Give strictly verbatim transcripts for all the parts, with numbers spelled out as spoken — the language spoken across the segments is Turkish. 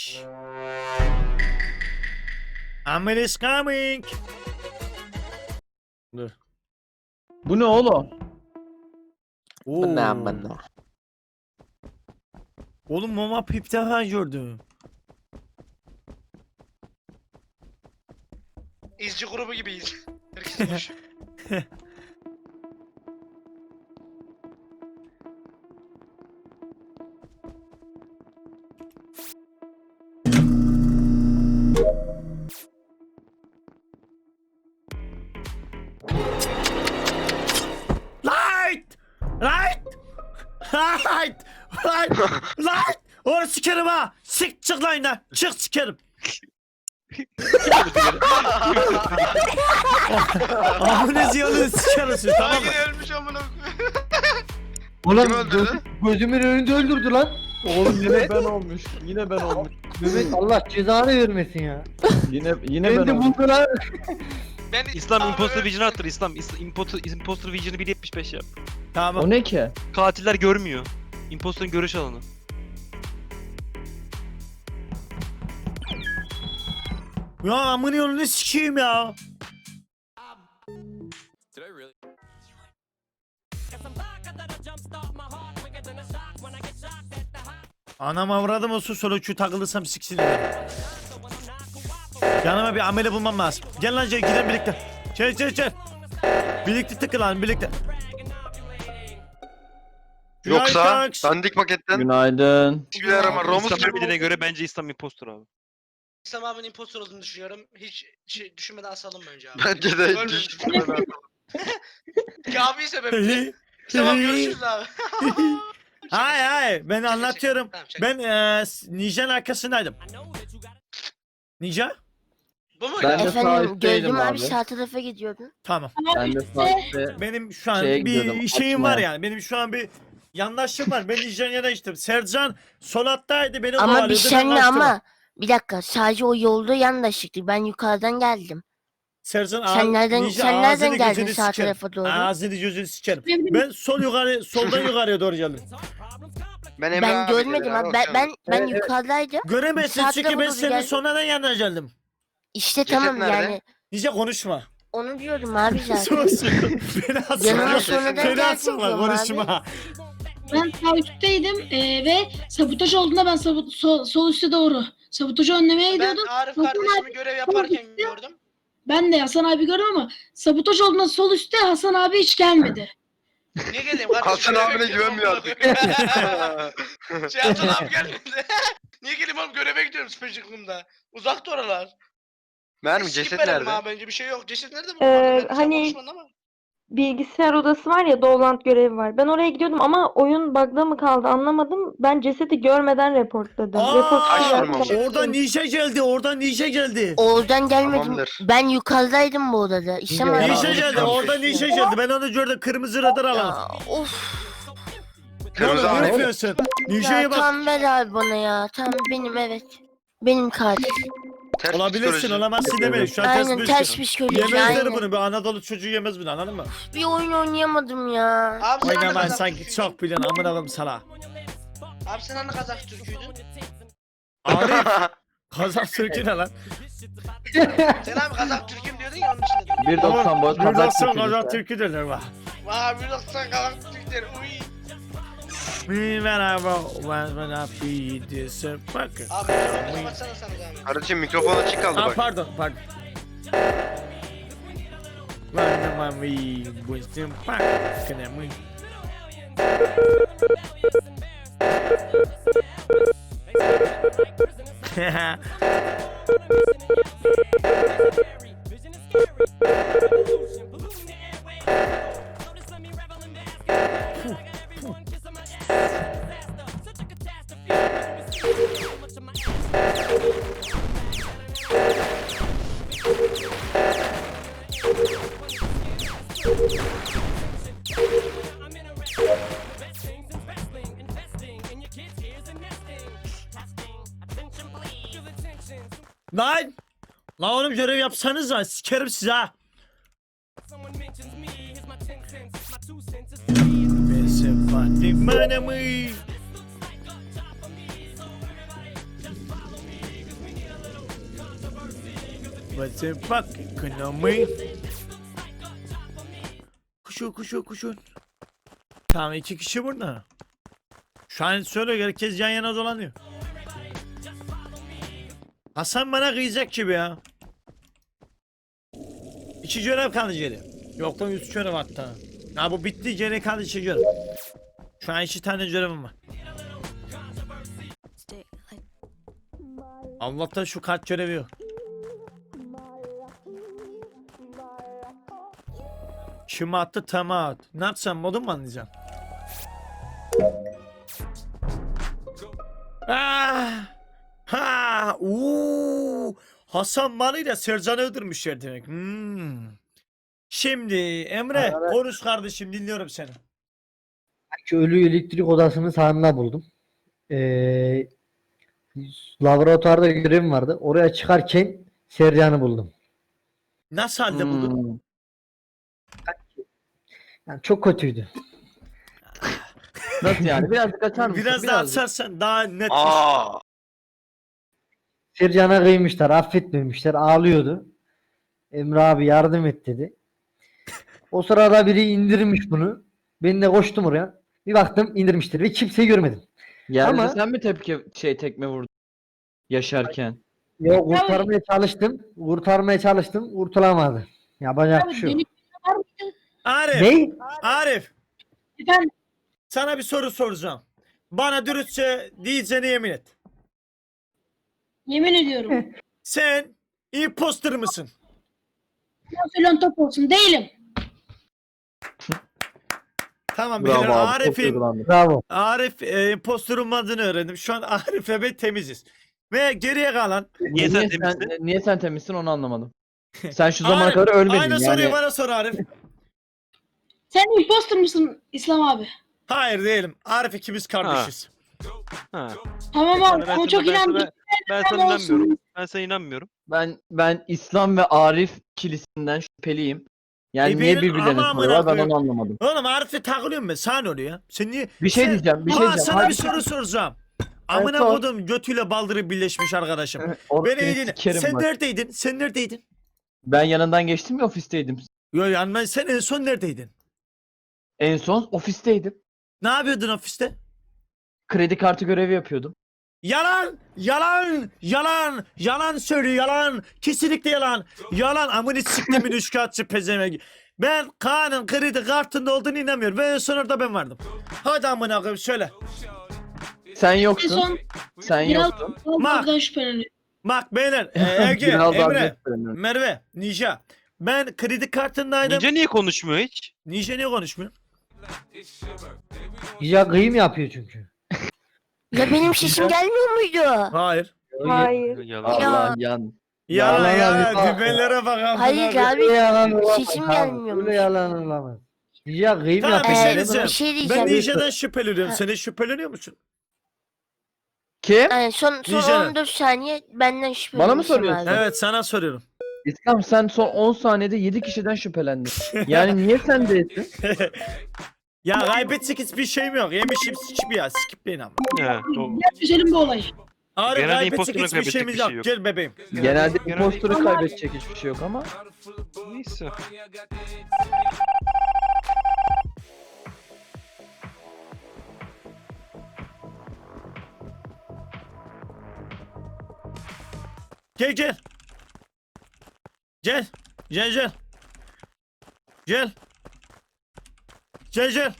Bitch. Amel is coming. Dur. Bu ne oğlum? Oo. Bu ne amına? Oğlum mama pip defa gördüm. İzci grubu gibiyiz. Herkes boş. Light! Light! Light! Light! Light! Onu sikerim ha! Sik çık lan yine! Çık sikerim! Amına ziyanını sikerim siz, tamam mı? Yine ölmüş amına Oğlum Kim öldürdü? göz- gözümün önünde öldürdü lan. Oğlum yine ben olmuş. Yine ben olmuş. Mehmet Allah cezanı vermesin ya. Yine yine Beni ben de olmuş. buldu lan. Ben İslam Abi, imposter öl- vision attır İslam. İslam imposter, imposter vision'ı bir yetmiş beş yap. Tamam. O ne ki? Katiller görmüyor. Imposter'ın görüş alanı. Ya amına yolunu sikeyim ya! Anam avradım olsun sonra şu takılırsam siksin. Yanıma bir amele bulmam lazım. Gel lan Cey, gidelim birlikte. Çel çel çel. Birlikte tıkılan birlikte. Yoksa Günaydın. dandik paketten Günaydın. hiçbir arama Romus İslam gibi bildiğine göre bence İslam imposter abi. İslam abinin impostor olduğunu düşünüyorum. Hiç şey, düşünmeden asalım bence abi. bence de Ölmüş. düştüm. Kabe'yi sebebi. İslam abi görüşürüz abi. Hayır hayır ben anlatıyorum. Tamam, şaka. Ben eee Ninja'nın arkasındaydım. Ninja? Bu mu? Ben de sağ Efendim üstteydim gördüm abi abi. sağ tarafa gidiyordun. Tamam. Ben de sağ üstte. Benim şu an Şeye bir gidiyordum, şeyim var açmaya. yani. Benim şu an bir yandaşım var. Ben Ninja'nın yanına içtim. Sercan sol hattaydı. Beni Ama bir kovalıyordu, ben senle kaçtım. ama bir dakika sadece o yolda yandaşlıktı. Ben yukarıdan geldim. Sercan Sen ağ- nereden Ninja sen nereden ağzını geldin gözünü sağ sikerim. tarafa doğru? Ağzını gözünü sikerim. Ben sol yukarı, soldan yukarıya doğru geldim. Ben Emre Ben abi görmedim dedim, abi. Ben ben, ben Evet, evet. yukarıdaydım. Göremezsin Sağ çünkü tarafa ben doğru senin gel. sonradan yanına geldim. İşte Ceset tamam nerede? yani Ninja konuşma. onu diyorum abi zaten. Sus. Beni asma. Yanıma Ceset- sonradan Beni geldin asma diyorum abi. konuşma. Ben sağ üstteydim eee, ve sabotaj olduğunda ben sabot, sol, sol üste doğru sabotajı önlemeye Ben gidiyordum. Arif Hasan kardeşimi görev yaparken gördüm. Ben de Hasan abi gördüm ama sabotaj olduğunda sol üstte Hasan abi hiç gelmedi. Niye geleyim kardeşim? Hasan Görev abine yapıyorum. güvenmiyor Şey Hasan abi gelmedi. Niye geleyim oğlum göreve gidiyorum Spectrum'da. Uzakta oralar. Mermi Skip ceset verelim nerede? abi bence bir şey yok. Ceset nerede bu? Ee, Ben hani- konuşmadım ama. Bilgisayar odası var ya Dolant görevi var. Ben oraya gidiyordum ama oyun bug'da mı kaldı anlamadım. Ben cesedi görmeden reportladım. Report Aa, Kaç yaptım. vurmamış? oradan Ninja geldi. Oradan Ninja geldi. Oradan gelmedim. Tamamdır. Ben yukarıdaydım bu odada. İşte Ninja ama- ya. Ninja geldi. Oradan Ninja geldi. Ben onu gördüm. Kırmızı radar alan. Ya, of. Kırmızı Ne abi. yapıyorsun? Ninja'ya Ya bak. tamam ver abi bana ya. Tamam benim evet. Benim katil. Ters Olabilirsin, psikoloji. olamazsın deme. Şu an ters Aynen bir ters şey. psikoloji. Yemezler Aynen. bunu. Bir Anadolu çocuğu yemez bunu, anladın mı? Bir oyun oynayamadım ya. Abi sen Oyna hani ben Kazak sanki Türküydün? çok biliyorsun. Amına koyayım sana. Abi sen hani Kazak Türküydün? Arif. Kazak Türk'ü ne lan? Sen abi Kazak Türk'üm diyordun ya onun için dedim. bir doksan boy Buradan kazak sonra Türk'ü Kazak işte. Türk'ü derler bak. Vay bir doksan Kazak Türk der. Uy. Me when I wrote when when I be disappointed. Abi mikrofonu kapatsana sana zahmet. Kardeşim mikrofon açık kaldı Aa bak. pardon pardon. When when we was in park, can I win? Lan! Lan oğlum görev yapsanız lan sikerim size ha. Ben sempatik manamı. What's the fuck economy? Kuşu kuşu kuşu. Tamam iki kişi burada. Şu an söyle herkes yan yana dolanıyor. Hasan bana kıyacak gibi ya. İki görev kaldı geri. Yok lan üç görev hatta. Ya bu bitti geri kaldı iki görev. Şu an iki tane görevim var. Allah'tan şu kart görevi yok. Kim attı tamam. Ne yapsam modum mu anlayacağım? Ah! Ha! Uuu! Hasan Malı'yla Sercan'ı öldürmüşler demek. Hmm. Şimdi Emre konuş kardeşim dinliyorum seni. Şu ölü elektrik odasının sağında buldum. Ee, laboratuvarda görevim vardı. Oraya çıkarken Sercan'ı buldum. Nasıl halde buldun? Hmm. Yani çok kötüydü. Nasıl yani? Birazcık açar mısın? Biraz daha Birazcık. açarsan daha net. Aa. Sercan'a kıymışlar, affetmemişler, ağlıyordu. Emre abi yardım et dedi. O sırada biri indirmiş bunu. Ben de koştum oraya. Bir baktım indirmiştir ve kimseyi görmedim. Yerde Ama- sen mi tepki şey tekme vurdun? Yaşarken. Yok kurtarmaya çalıştım. Kurtarmaya çalıştım. Kurtulamadı. Yapacak bir Abi şey yok. deli var mıydı? Arif, Ne? Arif Efendim sana bir soru soracağım. Bana dürüstçe diyeceğine yemin et. yemin ediyorum. Sen imposter mısın? Nasıl top olsun değilim. Tamam Bravo beyler abi. Çok Arif'in duygulandım. Bravo. Arif e, imposter olmadığını öğrendim. Şu an Arif'le ben temiziz. Ve geriye kalan Niye sen sen, temizsin? niye sen temizsin onu anlamadım. Sen şu zamana Arif, kadar ölmedin aynı yani. soruyu bana sor Arif. Sen imposter mısın İslam abi? Hayır değilim. Arif ikimiz kardeşiz. Ha. Tamam Ben, abi ben, ama çok ben, inandım. ben, ben sana Tamam, olsun. inanmıyorum. Ben sana inanmıyorum. Ben ben İslam ve Arif ikilisinden şüpheliyim. Yani E niye benim- birbirlerine ama soruyorlar ben amına onu anlamadım. Oğlum Arif'e takılıyorum ben. Sana ne oluyor ya? Sen niye? Bir şey sen... diyeceğim, bir şey Aa, diyeceğim. sana Hadi bir soru soracağım. Evet, Amına sor. kodum götüyle baldırı birleşmiş arkadaşım. Or- Beni seni iyi dinle. sikerim Sen bak. neredeydin? Sen neredeydin? Ben yanından geçtim ya ofisteydim. Yo yani sen en son neredeydin? En son ofisteydim. Ne yapıyordun ofiste? Kredi kartı görevi yapıyordum. Yalan! Yalan! Yalan! Yalan söylüyor yalan! Kesinlikle yalan! Yalan! Amını siktimin üçkağıtçı pezevenk. Ben Kaan'ın kredi kartında olduğunu inanmıyorum. Ve en son orada ben vardım. Hadi amına koyayım söyle. Sen En yoktun. son Sen biraz yoktun. Allah'tan şüpheleniyorum. Bak beyler, e, Ege, Biraz daha Emre, gösteremiyorum. Merve, Nija. Ben kredi kartındaydım. Ninja niye konuşmuyor hiç? Nija niye konuşmuyor? Ya kıyım yapıyor çünkü. Ya benim sesim gelmiyor muydu? Hayır. Hayır. Yalan. Allah yan. Yalan Yalan ya, abi. dübellere bak amına Hayır koyayım. abi. Öyle yalan olamaz. Sesim Tamam, gelmiyormuş. Öyle yalan olamaz. Ya kıyım Tamam, yapıyor. bir şey Ee, diyeceğim. bir şey Ben diyeceğim. Nija'dan şüpheleniyorum. Ha. Sen de şüpheleniyor musun? Kim? Yani son, son Nijeler. on dört saniye benden şüpheleniyorsun. Bana mı soruyorsun? abi. Evet sana soruyorum. İslam sen son on saniyede yedi kişiden şüphelendin. Yani niye sen değilsin? Ya kaybetsek hiçbir şeyim yok. Yemişim sikip ya. Skipleyin ama. He, o- Gel çözelim bu olayı. Ağrı Genelde kaybetsek imposter'la hiçbir kaybedecek şeyimiz bir yok. şey yok. Gel bebeğim. Genelde Genelde- imposter'ı kaybedecek hiçbir şey yok ama. Neyse. Gel gel. Gel. Gel gel. Gel. Gel gel.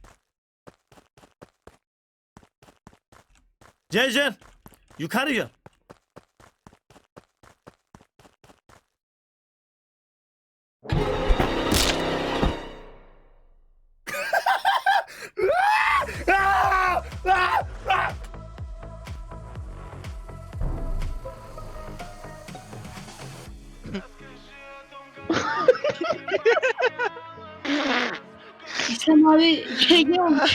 Gel gel. Yukarı gel. İslam abi G G olmuş.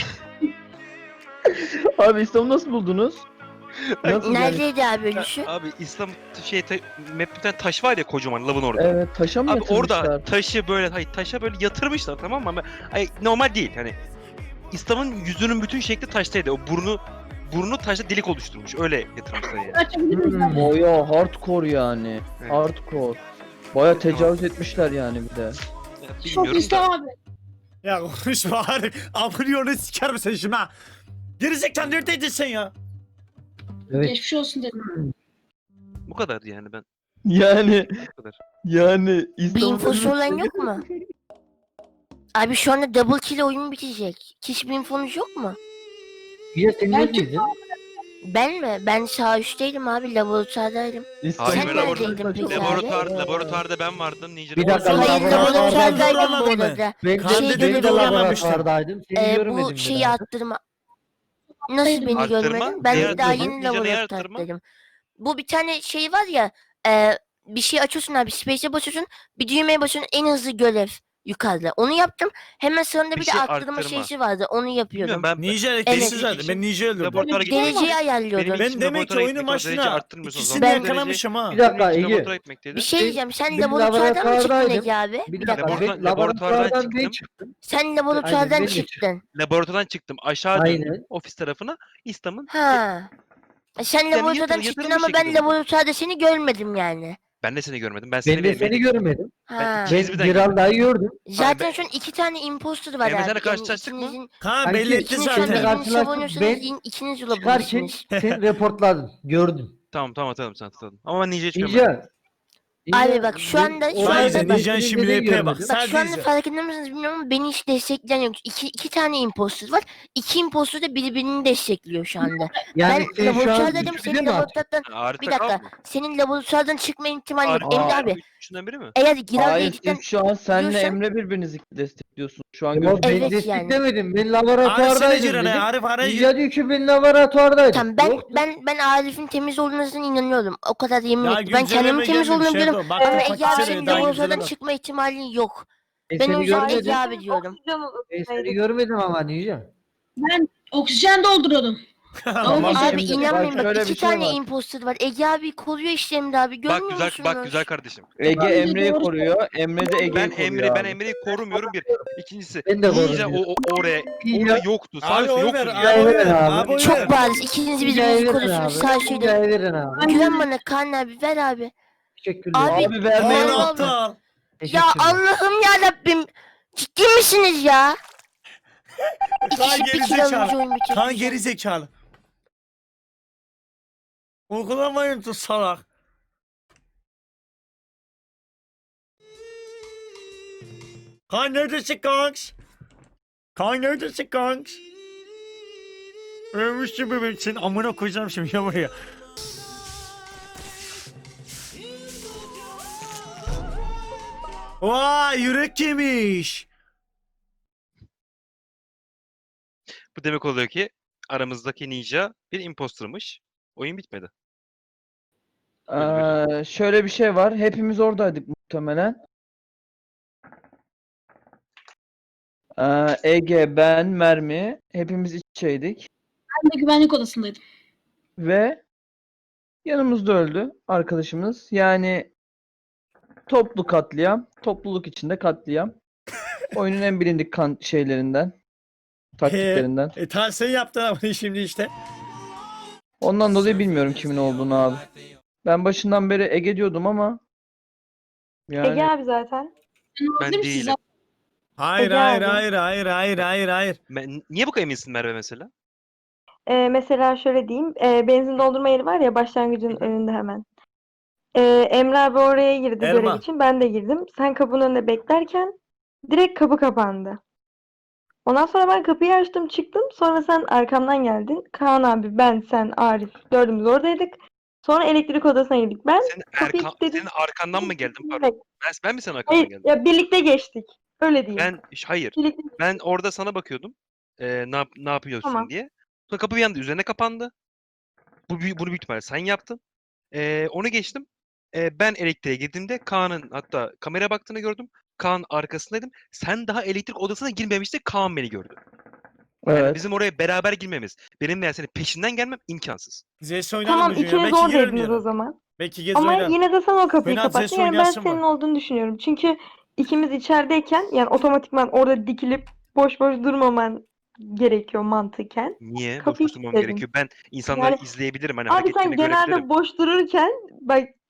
Abi İslam'ı nasıl buldunuz? Nasıl yani? Neredeydi abi ölüşü? Abi İslam şey ta, map'te bir tane taş var ya kocaman lavın orada. Evet taşa mı Abi yatırmışlar? orada taşı böyle hayır taşa böyle yatırmışlar tamam mı? Ama ay, normal değil hani. İslam'ın yüzünün bütün şekli taştaydı. O burnu burnu taşta delik oluşturmuş. Öyle yatırmışlar yani. Açabilir miyiz? Hmm. Boya hardcore yani. Evet. Hardcore. Baya tecavüz etmişler yani bir de. Ya, Sol bilmiyorum üstte da. abi. Ya konuşma Arif. Abone onu siker misin şimdi ha? Gerizekalı neredeydin sen ya? Evet. Geçmiş olsun dedim. Bu kadar yani ben. Yani Bu kadar. yani Bir İstanbul'da infosu olan yok mu? Abi şu anda double kill oyun bitecek. Hiç bir infonuz yok mu? Ya sen Ben neredeydin? Ben mi? Ben sağ üstteydim abi, laboratuvardaydım. Hayır, Sen ben neredeydin peki abi? Laboratuvar, laboratuvarda ben vardım. Ninja Bir dakika, Hayır, laboratuvarda laboratuvardaydım bu zorlamadı mı? arada. Ben Kan de, Şey ben dedi, de doğramamıştım. laboratuvardaydım. Seni Ee, görmedim bu bir şeyi daha. attırma. Nasıl beni Arttırma? görmedin? Ben Neyi de daha arttırma? yeni Ninja neyi arttırma? laboratuvardaydım. Bu bir tane şey var ya. E, bir şey açıyorsun abi. Space'e basıyorsun. Bir düğmeye basıyorsun. En hızlı görev yukarıda. Onu yaptım. Hemen sonunda bir, Bir de şey arttırma arttırma. şeysi vardı. Onu yapıyordum. Bilmiyorum ben. Ninja Evet. elektriksiz zaten. Ben Ninja öldürdüm. Laboratuvara gittim. Dereceyi ayarlıyordum. Benim Ben için demek ki laboratuvara oyunun gitmek, o derece başına arttırmıyorsun o ikisini zaman. de Ben- yakalamışım ha. Bir dakika Benim için Ege. laboratuvara gitmekteydi. Bir şey diyeceğim. Sen ben laboratuvardan mı çıktın laboratuvardaydım. Ege abi? Bir Bir dakika dakika. ben Laboratuvar- laboratuvardan laboratuvardan ben çıktım. çıktım. Sen laboratuvardan ben de çıktın. Laboratuvardan çıktım. Aşağı döndüm. Aynen. Ofis tarafına. İstanbul'un. Ha. E Sen Yani laboratuvardan yatır- çıktın yatırılmış ama ben şekilde buldum. laboratuvarda seni görmedim yani. Ben de seni görmedim. Ben seni Ben de ve seni Emre'yi- görmedim. Ha. İkiniz Ben birden Giralda'yı gördüm. Zaten ben- şu an iki tane imposter var Emre, abi. senle Yani karşılaştık mı? ikinizin, Kaan Kanki, belli etti ikiniz şu an Seninle zaten. birbirini karşılaştım. savunuyorsunuz. Ben in- ikiniz Çıkarken olabilirsiniz. sen reportladın. Gördüm. Tamam tamam tamam tamam tamam. Ama ben Ninja'yı hiç görmedim. Ninja. Abi bak, şu anda- şu Sadece anda- Ninja'nın şimdi Seni de rap'e bak. görmedim. Bak şu anda Sadece. farkında mısınız bilmiyorum ama beni hiç destekleyen yok. İki, iki tane imposter var. İki imposter da birbirini destekliyor şu anda. Yani ben sen şu an laboratuvardaydım. üçüncü Senin mi atıyorsun? laboratuvardan Arif bir Takal dakika. mı? Senin laboratuvardan çıkma ihtimali yok. Arif Emre Takal abi. bu üçünden biri mi? Eğer Giral'da Hayır ikiden siz şu an senle diyorsan- Emre birbirinizi destekliyorsunuz. Şu an Yok gözüküyor. ben Evet desteklemedim. Ben Arif seni laboratuvardaydım Ciran'a dedim. Arif arayı. Ninja diyor ki ben laboratuvardaydım. Tamam, ben Yok. ben ben Arif'in temiz olduğuna inanıyorum. O kadar yemin Ya ettim. Ben kendimin güncelleme temiz gelmemiş, olduğunu şey biliyorum. yapalım. Bak, Ama bak, Ege abi bak, senin daha laboratuvardan güncelleme. çıkma ihtimalin yok. Ben Ben seni o yüzden görmedim. Ege abi diyorum. Ben seni görmedim ama Ninja. Ben oksijen dolduruyordum. Tamam. Ama Abi Şimdi inanmayın bak bak, şöyle iki bir şey tane var. imposter var. Ege abi koruyor işte Emre abi. Görmüyor Bak güzel musunuz? bak güzel kardeşim. Ege Bence Emre'yi doğru koruyor. Emre de Ege'yi Ben koruyor Emre ben abi. Emre'yi korumuyorum bir. İkincisi Ben de Ninja korumuyorum. o, o oraya Ninja- orada yoktu. Sağ Abi üstte oy yoktu. ver, Ninja. abi oy ver, Abi. abi oy ver. Çok bariz. İkiniz Ninja'yı birbirinizi verin koruyorsunuz. abi. Sağ şeyde. Ninja'yı verin abi. Güven bana Kaan abi, ver abi. Teşekkürler. Abi- Abi vermeyin. Kaan Eyvallah. aptal. Ya Teşekkürler. Allah'ım ya Rabbim. Ciddi misiniz ya? İki Kaan kişi bir kere gerizekalı. alınca oyun bitecek. Kaan geri zekalı. Uygulamayın tut salak. Kaan neredesin kanks? Kaan neredesin kanks? Ölmüşsün bebeğim, senin amına koyacağım şimdi ya buraya. Vay yürek yemiş. Bu demek oluyor ki aramızdaki Ninja bir impostermış. Oyun bitmedi. Ee, şöyle bir şey var. Hepimiz oradaydık muhtemelen. Ee, Ege, ben, Mermi hepimiz iç içeydik. Ben de güvenlik odasındaydım. Ve yanımızda öldü arkadaşımız. Yani toplu katliam, topluluk içinde katliam. Oyunun en bilindik kan şeylerinden, taktiklerinden. E ta sen yaptın ama şimdi işte. Ondan dolayı bilmiyorum kimin olduğunu abi. Ben başından beri Ege diyordum ama yani Ege abi zaten. Ben Değil mi siz? değilim. Hayır Ege hayır abi. hayır hayır hayır hayır hayır. Ben- niye bu kadar eminsin Merve mesela? Ee, mesela şöyle diyeyim. Ee, benzin doldurma yeri var ya başlangıcın önünde hemen. Ee, Emre abi oraya girdi Elma. görev için. Ben de girdim. Sen kapının önünde beklerken direkt kapı kapandı. Ondan sonra ben kapıyı açtım çıktım. Sonra sen arkamdan geldin. Kaan abi, ben, sen, Arif dördümüz oradaydık. Sonra elektrik odasına girdik. Ben Senin, kapıyı erkan, kilitledim. senin arkandan mı geldim pardon? Ben, ben mi senin arkandan Hayır, geldim? ya birlikte geçtik. Öyle diyeyim. Ben hayır. Birlikte... Ben orada sana bakıyordum. Ee, ne, yap- ne yapıyorsun Tamam. diye. Sonra kapı bir anda üzerine kapandı. Bu, büyük- bunu büyük ihtimalle sen yaptın. Ee, onu geçtim. Ee, ben elektriğe girdiğimde Kaan'ın hatta kameraya baktığını gördüm. Kaan arkasındaydım. Sen daha elektrik odasına girmemiştin. Kaan beni gördü. Yani evet. bizim oraya beraber girmemiz, benim veya senin peşinden gelmem imkansız. Zes oynarım Tamam, bugün ya. ikiniz Belki girerim oradaydınız o yarın. zaman. Belki gez Ama oynarım. yine de sen o kapıyı Fena kapattın. ses Yani ben oynayasın senin var. olduğunu düşünüyorum. Çünkü ikimiz içerideyken yani otomatikman orada dikilip boş boş durmaman gerekiyor mantıken. Niye? Boş Kapıyı boş durmam kilitledim. gerekiyor. Ben insanları Yani- izleyebilirim. Hani Abi sen hareketlerini görebilirim. genelde boş dururken bak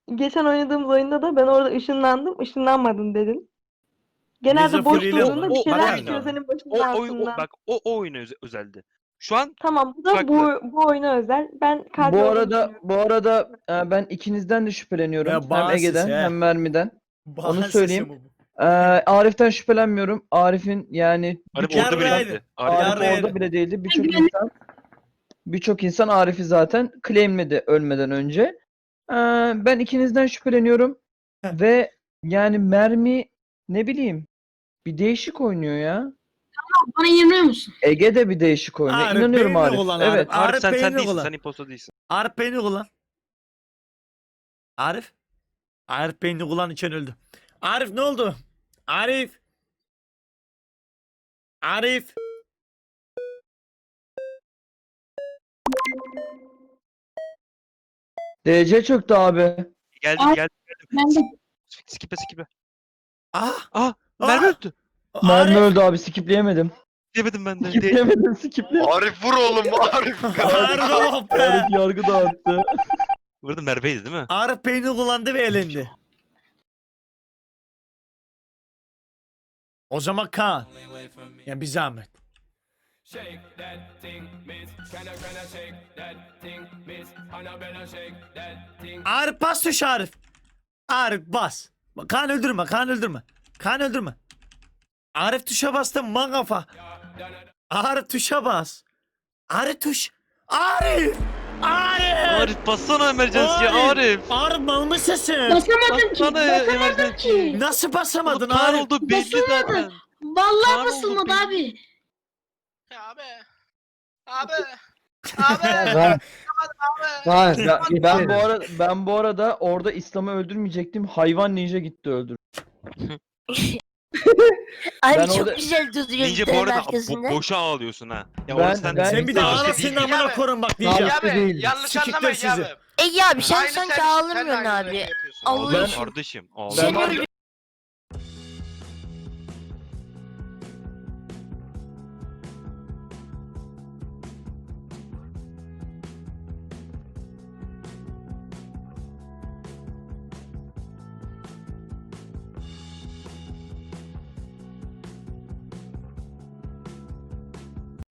geçen oynadığımız oyunda da ben orada ışınlandım, ışınlanmadın dedin. Genelde boş Mizofiliyle durduğunda o- bir o- şeyler bak- çıkıyor senin başının O, o, o, altından. bak o, o oyuna öze- özeldi. Şu an Tamam, bu da farklı. bu, bu oyuna özel. Ben katil Bu olduğunu arada düşünüyorum. bu arada e, ben ikinizden de şüpheleniyorum. Ya Hem bağımsız Ege'den he. hem Mermi'den. Bahar söyleyeyim. sesi bu. Ee, Arif'ten şüphelenmiyorum. Arif'in yani Arif birçok orada bile Yarraydı. değildi. Arif Arif Yarraydı. orada bile değildi. Birçok güvenlik- insan birçok insan Arif'i zaten claimledi ölmeden önce. Ee, ben ikinizden şüpheleniyorum ve yani Mermi ne bileyim bir değişik oynuyor ya. Bana inanıyor musun? Ege de bir değişik oynuyor. Arif, İnanıyorum benimle Arif. olan Evet. Arif. Arif sen, sen beynini değilsin. kullan. Sen imposter değilsin. Arif beyni kullan. Arif. Arif beyni kullan için öldü. Arif ne oldu? Arif. Arif. D C çöktü abi. Geldim Arif- geldim. Ben de Skipe skipe. Ah. Ah Ah! Merve öldü. Mermi Arif. öldü abi. Skipleyemedim. Demedim ben de. De- Skipleyemedim. Skipleyemedim. Arif vur oğlum Arif. Arif oh be. Arif yargı dağıttı. Burada Merve'ydi değil mi? Arif beyni kullandı ve elendi. O zaman Kaan. Ya bir zahmet. Arif bas tuş Arif. Arif bas. Kaan öldürme, Kaan öldürme. Kaan öldürme. Arif tuşa bastı man kafa. Arif tuşa bas. Arif tuş. Arif. Arif. Arif bassana emergency'ye Arif. Arif mal mısın? basamadım ki. Bassana Basamadım emergency'ye. ki. Nasıl basamadın Kaan Arif? oldu belli Basılmadı. zaten. Vallahi Kaan oldu, basılmadı belli. abi. Ya abi. Abi. Abi. Kaan, Kaan, Ya, yeter. ben bu arada ben bu arada orada İslam'ı öldürmeyecektim. Hayvan ninja gitti öldür. Abi Ben çok orada- güzel duruyor Ninja bu derin arada arkasında. bo- boşa ağlıyorsun ha. Ya Ben- orada sen, ben- Sen bir de Ben- ağlasın Ben- amına Ben- korun bak Ben- diyeceğim. Ya abi değil. yanlış Sikikler anlamayın ya sizi. abi. Ege abi sen Aynı sanki sen- sen de ağlamıyorsun aynı abi. rengi yapıyorsun. Allah ağlıyorum için. kardeşim. Sen Ağlıyorum. öyle